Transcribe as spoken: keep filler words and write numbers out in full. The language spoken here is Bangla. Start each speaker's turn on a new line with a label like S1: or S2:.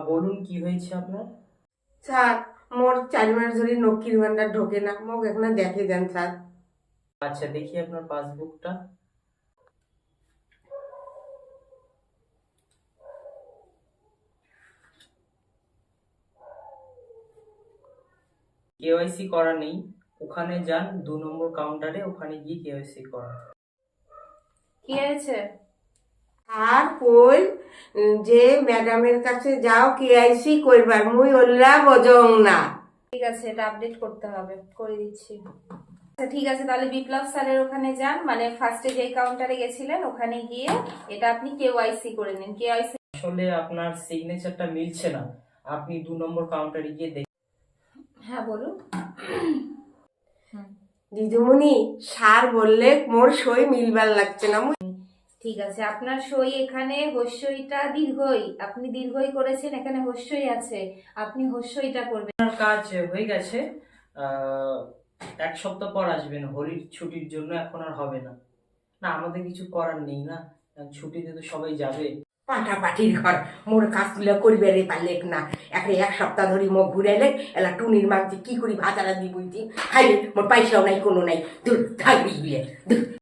S1: বলুন কি হয়েছে আপনার?
S2: স্যার, মোর চার মাস ধরে লক্ষ্মীর ভান্ডার ঢোকে না, মোক এখানে দেখে দেন স্যার।
S1: আচ্ছা, দেখি আপনার পাসবুকটা। কেওয়াইসি করা নেই, ওখানে যান দু নম্বর কাউন্টারে, ওখানে গিয়ে কেওয়াইসি করা।
S3: কি হয়েছে?
S2: আর কই উম, যে ম্যাডামের কাছে যাও কেআইসি করবার, মুই ওল্লা বজং না।
S3: ঠিক আছে, এটা আপডেট করতে হবে, করে দিচ্ছি। আচ্ছা ঠিক আছে, তাহলে বিপ্লব স্যারের ওখানে যান, মানে ফার্স্টে যে কাউন্টারে গেছিলেন ওখানে গিয়ে এটা আপনি কেওয়াইসি করে নিন। কেওয়াইসি
S1: আসলে আপনার সিগনেচারটা মিলছে না, আপনি দু নম্বর কাউন্টারে গিয়ে দেখুন।
S3: হ্যাঁ বলুন।
S2: দিদিমণি, স্যার বললে মোর সই মিলবার লাগছে না। মুই
S3: ঠিক আছে, আপনার সই এখানে হস্যইটা দীর্ঘই, আপনি দীর্ঘই করেছেন, এখানে হস্যই আছে, আপনি হস্যইটা করবেন।
S1: আপনার কাজ হয়ে গেছে। আহ, এক সপ্তাহ পর আসবেন, হোলির ছুটির জন্য এখন আর হবে না। না, আমাদের কিছু করার নেই না, ছুটিতে তো সবাই যাবে।
S2: পাঠা পাঠির ঘর, মোর কাজগুলো করিবে রে পারলে না। এখন এক সপ্তাহ ধরে মুখ ঘুরাইলে এলা টুনির মাঝে কি করি ভাতারা দি বুঝছি। হাই মোর পয়সাও নাই, কোনো নাই, দূর থাকবি দূর।